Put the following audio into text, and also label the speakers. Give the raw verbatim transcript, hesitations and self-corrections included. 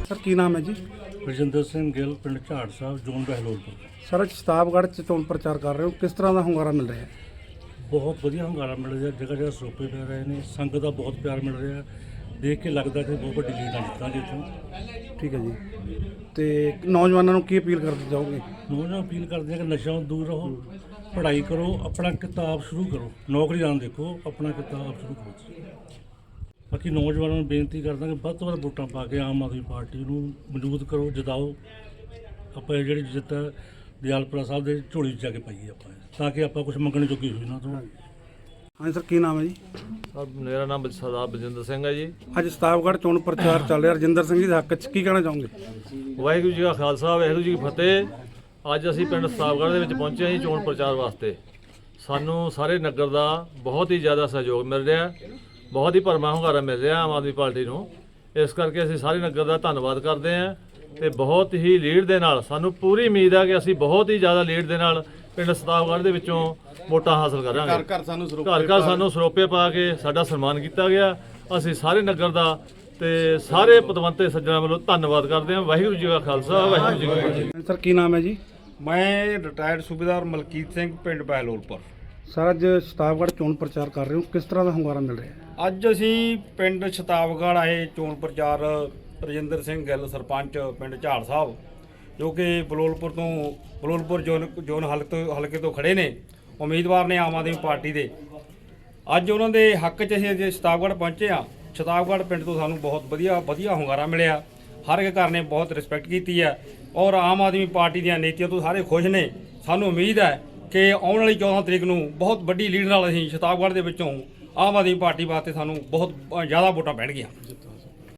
Speaker 1: Sir की नाम है जी?
Speaker 2: ਰਜਿੰਦਰ ਸਿੰਘ ਗਿੱਲ ਪਿੰਡ ਝਾੜ ਸਾਹਿਬ ਜ਼ੋਨ ਬਹਿਲੋਲਪੁਰ।
Speaker 1: सर अज शताबगढ़ च चोण प्रचार कर रहे हो, किस तरह का hunगारा मिल रहा है?
Speaker 2: ਬਹੁਤ ਵਧੀਆ ਹੁੰਗਾਰਾ ਮਿਲ ਰਿਹਾ, ਜਗ੍ਹਾ ਜਗ੍ਹਾ ਸਰੋਪੇ ਪੈ ਰਹੇ ਨੇ, ਸੰਗਤ ਦਾ ਬਹੁਤ ਪਿਆਰ ਮਿਲ ਰਿਹਾ। ਦੇਖ ਕੇ ਲੱਗਦਾ ਕਿ ਬਹੁਤ ਵੱਡੀ ਲੀਡ ਨਾਲ ਜਿੱਤਾਂਗੇ ਇੱਥੋਂ।
Speaker 1: ठीक है जी। तो नौजवानों को की अपील करते जाओगे?
Speaker 2: ਨੌਜਵਾਨ ਅਪੀਲ ਕਰਦੇ ਆ ਕਿ ਨਸ਼ਿਆਂ ਤੋਂ ਦੂਰ ਰਹੋ, ਪੜ੍ਹਾਈ ਕਰੋ, ਆਪਣਾ ਕਿਤਾਬ ਸ਼ੁਰੂ ਕਰੋ, ਨੌਕਰੀ ਨਾ ਦੇਖੋ, ਆਪਣਾ ਕਿਤਾਬ ਸ਼ੁਰੂ ਕਰੋ। ਬਾਕੀ ਨੌਜਵਾਨਾਂ ਨੂੰ ਬੇਨਤੀ ਕਰਦਾ ਕਿ ਵੱਧ ਤੋਂ ਵੱਧ ਵੋਟਾਂ ਪਾ ਕੇ ਆਮ ਆਦਮੀ ਪਾਰਟੀ ਨੂੰ ਮਜ਼ਬੂਤ ਕਰੋ, ਜਿਤਾਓ। ਆਪਾਂ ਇਹ ਜਿਹੜੀ ਜਿੱਤ ਹੈ ਦਿਆਲਪੁਰਾ ਸਾਹਿਬ ਦੇ ਝੋਲੀ 'ਚ ਜਾ ਕੇ ਪਾਈਏ ਆਪਾਂ, ਤਾਂ ਕਿ ਆਪਾਂ ਕੁਝ ਮੰਗਣ ਜੋਗੀ ਹੋਈ ਨਾ। ਤੋਂ
Speaker 1: हाँ सर की नाम है जी?
Speaker 3: ਸਰ ਮੇਰਾ ਨਾਮ ਸਰਦਾਰ ਬਲਜਿੰਦਰ ਸਿੰਘ ਹੈ ਜੀ।
Speaker 1: अज शताबगढ़ चोण प्रचार चल रहा, रजिंदर सिंह जी के हक च की कहना चाहोगे?
Speaker 3: ਵਾਹਿਗੁਰੂ ਜੀ ਕਾ ਖਾਲਸਾ ਵਾਹਿਗੁਰੂ ਜੀ ਕੀ ਫਤਿਹ। ਅੱਜ ਅਸੀਂ ਪਿੰਡ ਸ਼ਤਾਬਗੜ੍ਹ ਦੇ ਵਿੱਚ ਪਹੁੰਚੇ ਹਾਂ ਜੀ ਚੋਣ ਪ੍ਰਚਾਰ ਵਾਸਤੇ। ਸਾਨੂੰ ਸਾਰੇ ਨਗਰ ਦਾ ਬਹੁਤ ਹੀ ਜ਼ਿਆਦਾ ਸਹਿਯੋਗ ਮਿਲ ਰਿਹਾ, ਬਹੁਤ ਹੀ ਭਰਮਾ ਹੁੰਗਾਰਾ ਮਿਲ ਰਿਹਾ ਆਮ ਆਦਮੀ ਪਾਰਟੀ ਨੂੰ। ਇਸ ਕਰਕੇ ਅਸੀਂ ਸਾਰੇ ਨਗਰ ਦਾ ਧੰਨਵਾਦ ਕਰਦੇ ਹਾਂ ਤੇ ਬਹੁਤ ਹੀ ਲੀਡ ਦੇ ਨਾਲ, ਸਾਨੂੰ ਪੂਰੀ ਉਮੀਦ ਹੈ ਕਿ ਅਸੀਂ ਬਹੁਤ ਹੀ ਜ਼ਿਆਦਾ ਲੀਡ ਦੇ ਨਾਲ ਪਿੰਡ ਸ਼ਤਾਬਗੜ੍ਹ ਦੇ ਵਿੱਚੋਂ ਵੋਟਾਂ ਹਾਸਲ ਕਰਾਂਗੇ। ਘਰ ਘਰ ਸਾਨੂੰ ਸਰੋਪੇ ਘਰ ਘਰ ਸਾਨੂੰ ਸਰੋਪੇ ਪਾ ਕੇ ਸਾਡਾ ਸਨਮਾਨ ਕੀਤਾ ਗਿਆ। ਅਸੀਂ ਸਾਰੇ ਨਗਰ ਦਾ ਤੇ ਸਾਰੇ ਪਤਵੰਤੇ ਸੱਜਣਾਂ ਵੱਲੋਂ ਧੰਨਵਾਦ ਕਰਦੇ ਹਾਂ। ਵਾਹਿਗੁਰੂ ਜੀ ਕਾ ਖਾਲਸਾ ਵਾਹਿਗੁਰੂ ਜੀ ਕੀ ਫਤਿਹ।
Speaker 1: सर की नाम है जी?
Speaker 4: ਮੈਂ ਰਿਟਾਇਰਡ ਸੂਬੇਦਾਰ ਮਲਕੀਤ ਸਿੰਘ ਪਿੰਡ ਬਹਿਲੋਲਪੁਰ।
Speaker 1: सर अज शताबगढ़ चोण प्रचार कर रहे हो, किस तरह का hunगारा मिल रहा है?
Speaker 4: ਅੱਜ ਅਸੀਂ ਪਿੰਡ ਸ਼ਤਾਬਗੜ੍ਹ ਆਏ ਚੋਣ ਪ੍ਰਚਾਰ ਰਜਿੰਦਰ ਸਿੰਘ ਗਿੱਲ ਸਰਪੰਚ ਪਿੰਡ ਝਾੜ ਸਾਹਿਬ, ਜੋ ਕਿ ਬਲੋਲਪੁਰ ਤੋਂ ਬਲੋਲਪੁਰ ਜ਼ੋਨ ਜ਼ੋਨ ਹਲਕੇ ਤੋਂ ਹਲਕੇ ਤੋਂ ਖੜੇ ਨੇ, ਉਮੀਦਵਾਰ ਨੇ ਆਮ ਆਦਮੀ ਪਾਰਟੀ ਦੇ। ਅੱਜ ਉਹਨਾਂ ਦੇ ਹੱਕ 'ਚ ਅਸੀਂ ਜੇ ਸ਼ਤਾਬਗੜ੍ਹ ਪਹੁੰਚੇ ਹਾਂ। ਸ਼ਤਾਬਗੜ੍ਹ ਪਿੰਡ ਤੋਂ ਸਾਨੂੰ ਬਹੁਤ ਵਧੀਆ ਵਧੀਆ ਹੁੰਗਾਰਾ ਮਿਲਿਆ। ਹਰ ਇੱਕ ਘਰ ਨੇ ਬਹੁਤ ਰਿਸਪੈਕਟ ਕੀਤੀ ਹੈ ਔਰ ਆਮ ਆਦਮੀ ਪਾਰਟੀ ਦੀਆਂ ਨੀਤੀਆਂ ਤੋਂ ਸਾਰੇ ਖੁਸ਼ ਨੇ। ਸਾਨੂੰ ਉਮੀਦ ਹੈ ਕਿ ਆਉਣ ਵਾਲੀ ਚੌਦਾਂ ਤਰੀਕ ਨੂੰ ਬਹੁਤ ਵੱਡੀ ਲੀਡ ਨਾਲ ਅਸੀਂ ਸ਼ਤਾਬਗੜ੍ਹ ਦੇ ਵਿੱਚੋਂ ਆਮ ਆਦਮੀ ਪਾਰਟੀ ਵਾਸਤੇ ਸਾਨੂੰ ਬਹੁਤ ਜ਼ਿਆਦਾ ਵੋਟਾਂ ਪੈਣਗੀਆਂ।